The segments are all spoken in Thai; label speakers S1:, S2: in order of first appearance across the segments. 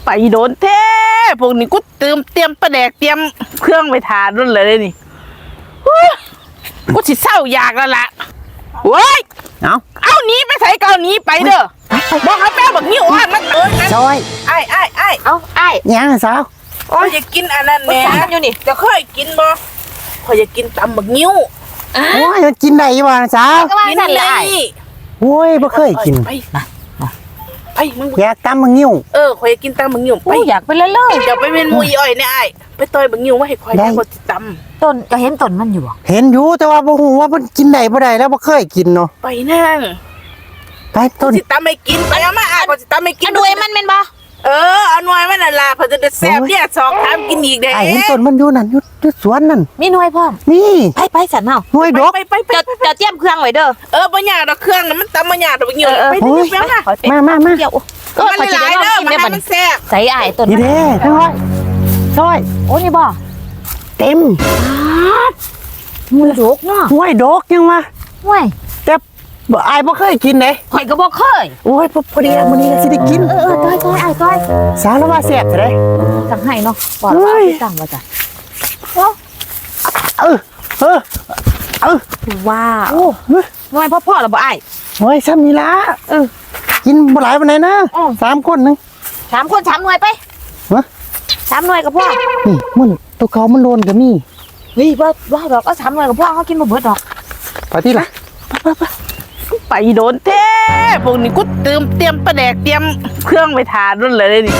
S1: ไปโดนแท้พวกนี้กูเตรียมปลาแดกเตรียมเครื่องไปทานรุ่นเลยนี่กูสิเศร้าอยากแล้วล่ะเว้ยเอาหนีไปใส่เกาหนีไปเด้อบอกเขาแป้บักนิ้วอ่านมัน
S2: ซอย
S1: ไอ้
S3: เอาไอ้
S2: ยังสาว
S1: โอ้ยอยากกินอันนั้นแหม่อยู่นี่จะเคยกินบ่พออยากกินตำบักนิ้ว
S2: โอ้ยมันกินได้บ่สาว
S1: กินได้
S2: โอ้ยบ่เคยกิน
S1: ไปมึง
S2: อยากตำบักนิ้ว
S1: ข่อยอยากกินตำบักนิ้วไป
S3: อยากไปเล่น
S1: เดี๋ยวไปเป็นมุยอ้อยเนี่ยไอ้ไปต่อยบักนิ้วมาให้ข่อยได้ข่อยสิตำ
S3: ต้นก็เห็นต้นมันอยู่บ่
S2: เห็นอยู่แต่ว่าบ่ฮู้ว่ามันกินได้บ่ได้แล้วบ่เคยกินเนาะ
S1: ไปนั่ง
S2: ไปต้น
S1: สิตำไม่กินไปเอามาข่อยสิตำไม่กิน
S3: ด้วยมันเป็นบ่
S1: เอาหน่วยมันน่ะล่ะเพิ่นจะแซ่บเนี่ยสองทำกินอีกเด้
S2: ไอ้เห็นต้นมันอยู่นั่นอยู่สวนนั่น
S3: มีหน่วยพร้อม
S2: นี่
S3: ไปสันเฮา
S2: หน่วยดอก
S3: จะเตรียมเครื่องไว้เด้อ
S1: บ่ยากดอกเครื่องน่ะมันตำบ่ยากดอกบักนิ้วไป
S2: มา
S3: ก็มันหลายเด้อ
S1: มันแซ่บ
S3: ใส่อ้ายต้น
S2: นี่เด้ซอย
S3: โอ้นี่บ่
S2: เต็ม
S3: หน่วยดกเนาะ
S2: หน่วยดอกยังวะ
S3: หน่วย
S2: แต่ไอ้บ่เคยกินเด้
S3: ข่อยก็บ่เคย
S2: โอ้ยพอดีมื้อนี้สิได้กิน
S3: ต้อยอ้ายต้อย
S2: สาวแล้วว่าแซ่บซะเด้
S3: สั่งให้เนาะบ่ว่าสั่งว่าจ้ะว้าวหน่วยพ่อแล้วบ่อ้าย
S2: โอ้ยซ้ำนี่ล่ะกินบ่หลายปานใดนะ3คนนึง
S3: 3 คน 3 หน่วยไป
S2: ฮะ
S3: 3 หน่วยกับพ่อ
S2: นี่มันตัวเขามันโลนก็มี
S3: เฮ้ยบ่ดอกเอา3 หน่วยกับพ่อเขากินบ่เบิดดอก
S2: ไปที่ล่ะ
S1: ไปโดนแท้พวกนี้กูเตรียมปลาแดกเตรียมเครื่องไปทานรุ่นเลยนี่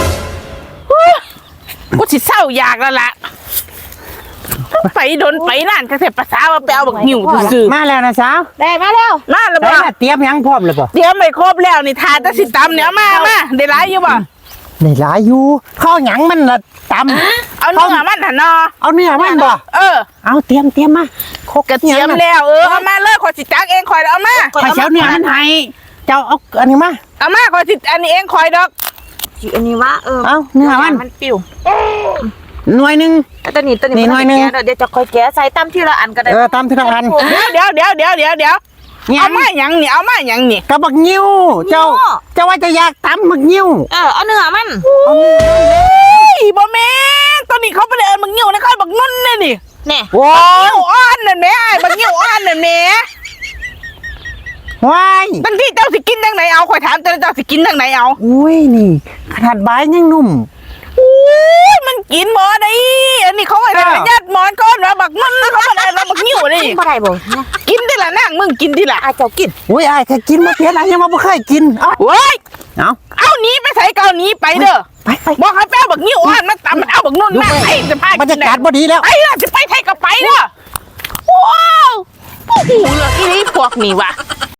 S1: กูสิเศร้าอยากแล้วล่ะไปโดนไปนั่นก็เสร็จภาษาว่าไปเอาบักนิ้วซื่อ
S2: มาแล้วนะสาว
S3: ได้มาแล้ว
S1: บ่
S2: เตรียมยังพร้อมแล้วบ่
S1: เตรียมไม่ครบแล้วนี่ทานแต่สิตำเนี่ยมาได้หลายอยู่บ่
S2: ได้หลายอยู่ข้าวหยังมันละต
S1: ำเอาเนื้อมันหั่นเนาะ
S2: เอาเนื้อมันบ่เอาเตรียมมา
S1: กระเทียมแล้วเอามาเลยข่อยสิจักเองข่อยเอามา
S2: ข่อยเช้าเนื้อมันให้เจ้าเอาอันนี้มา
S1: เอามาข่อยสิอันนี้เองข่อยดอก
S3: อันนี้ว่า
S2: เอาเนื้อมัน
S3: ปิ้ว
S2: หน่วยนึง
S3: ตัวนี้
S2: หน่วยนึง
S3: เดี๋ยวจะค่อยแกะใส่ตำทีละอันก็ได้
S2: ตำทีละอัน
S1: เดี๋ยวเอามาหยังนี่
S2: กระบักนิ้วเจ้าว่าจะอยากตำบักนิ้ว
S3: เอาเนื้อมัน
S1: บ่แม่ตอนนี้เขาไปเลยบักนิ้วนะเขาบักนุ่นเลยนี่
S2: ว้าว
S1: อ่อนนั่นแม่บักนิ้วอ่อนนั่นแม่
S2: ว้าย
S1: ตั้งที่เจ้าสิกินทางไหนเอาข่อยถามเจ้าสิกินทางไหนเอา
S2: อุ้ยนี่ขนาดใบยังนุ่ม
S1: มันกินหมอได้อันนี้เขาอะไรยัดหมอนก้อนมาบักนุ่นเขาอะไรมาบักนิ้วนี่
S3: บ่ได้บ่
S1: กินที่ละนั่งมึงกินที่ละ
S3: เจ้ากิน
S2: อุ้ยแค่กินมาเพี้ยนยังมาบ่เคยกิน
S1: เว้ยเอาหนีไปใส่เกาหนีไปเด้อ
S2: ไป
S1: บอกให้แป้บักนิ้วอ่อนมันตำมันเอาบักนุ่นมาไอ้จะพา
S2: บรรยากาศบ่ดีแล้ว
S1: ไอ้จะไปไทยกับไปเด้อว้าวผู้หูเลยอีนี่พวกนี่วะ